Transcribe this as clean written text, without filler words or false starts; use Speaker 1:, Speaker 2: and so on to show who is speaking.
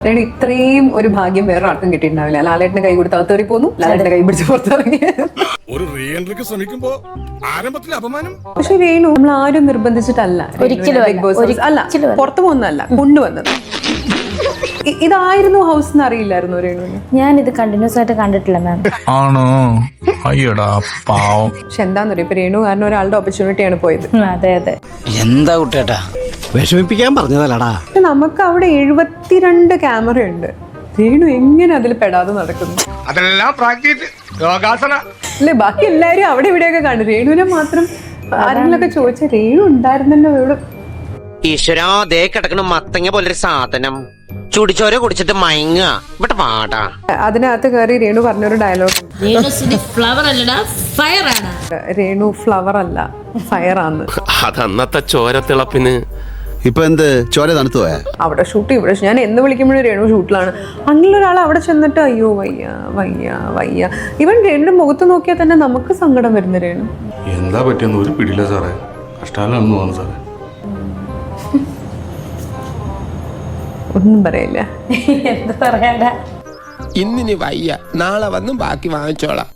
Speaker 1: ഇത്രയും ഒരു ഭാഗ്യം വേറെ ആർക്കും കിട്ടിയിട്ടുണ്ടാവില്ല. ലാലേട്ടന് കൈ കൊടുത്ത് അകത്തേറി പോന്നു, ലാലേട്ടന്റെ കൈ പിടിച്ച് പുറത്തിറങ്ങി.
Speaker 2: ഒരു റീ എൻട്രിക്ക് ശ്രമിക്കുമ്പോ ആരംഭത്തിൽ അപമാനം.
Speaker 1: പക്ഷെ രേണു നമ്മൾ ആരും നിർബന്ധിച്ചിട്ടല്ല ബിഗ് ബോസ് അല്ല പുറത്തു പോകുന്നതല്ല കൊണ്ടുവന്നത്. ഇതായിരുന്നു ഹൗസ് എന്ന് അറിയില്ലായിരുന്നു രേണുവിന്.
Speaker 3: ഞാൻ ഇത് കണ്ടിന്യൂസ് ആയിട്ട് കണ്ടിട്ടില്ല മാം.
Speaker 4: ആണോ? അയ്യടാ പാവം.
Speaker 1: പക്ഷെ എന്താന്ന് പറയുക, ഇപ്പൊ രേണു കാരണം ഒരാളുടെ ഓപ്പർച്യൂണിറ്റിയാണ് പോയത്.
Speaker 3: അതെ അതെ.
Speaker 5: എന്താ കുട്ടേട്ടാ വിഷമിപ്പിക്കാൻ പറഞ്ഞതല്ലടാ.
Speaker 1: നമുക്ക് അവിടെ 72 ക്യാമറ ഉണ്ട്. രേണു എങ്ങനെ അതിൽ പെടാതെ നടക്കുന്നു?
Speaker 2: അതെല്ലാം പ്രാക്ടീസ് യോഗാസന.
Speaker 1: അല്ലെ ബാക്കി എല്ലാരും അവിടെ ഇവിടെയൊക്കെ കാണും. രേണുവിനെ മാത്രം ആരെങ്കിലൊക്കെ ചോദിച്ച രേണു ഉണ്ടായിരുന്നല്ലോ ഇവിടെ.
Speaker 6: ഈശ്വരാ ദേ കിടക്കണ മത്തങ്ങ പോലൊരു സാധനം ചുടിച്ചോര കുടിച്ചിട്ട് മയങ്ങ ഇവിടെ പാടാ.
Speaker 1: അതിനകത്ത് കയറി രേണു പറഞ്ഞൊരു ഡയലോഗ്,
Speaker 3: ഫ്ലവർ അല്ലടാ ഫയർ ആണ്.
Speaker 1: രേണു ഫ്ലവർ അല്ല ഫയർ ആണ്.
Speaker 7: അതന്നത്തെ ചോരത്തിളപ്പിന്
Speaker 5: ഇപ്പൊ എന്ത് ചോര തണുത്തു പോയാ?
Speaker 1: അവിടെ ഷൂട്ട് ഇവിടെ ഞാൻ എന്ന് വിളിക്കുമ്പോഴും രേണു ഷൂട്ടിലാണ്. അങ്ങനെ ഒരാൾ അവിടെ ചെന്നിട്ട് അയ്യോ വയ്യ വയ്യ വയ്യ. ഇവൻ രേണുടെ മുഖത്ത് നോക്കിയാൽ തന്നെ നമുക്ക് സങ്കടം വരുന്ന രേണു.
Speaker 2: എന്താ പറ്റിയെന്ന് ഒരു പിടിയില്ല സാറേ, കഷ്ടാലാണെന്ന് തോന്നുന്നു സാറേ.
Speaker 1: ഒന്നും പറയില്ല.
Speaker 3: എന്താ പറയാ,
Speaker 7: ഇന്നിനി വയ്യ, നാളെ വന്നും ബാക്കി വാങ്ങിച്ചോളാം.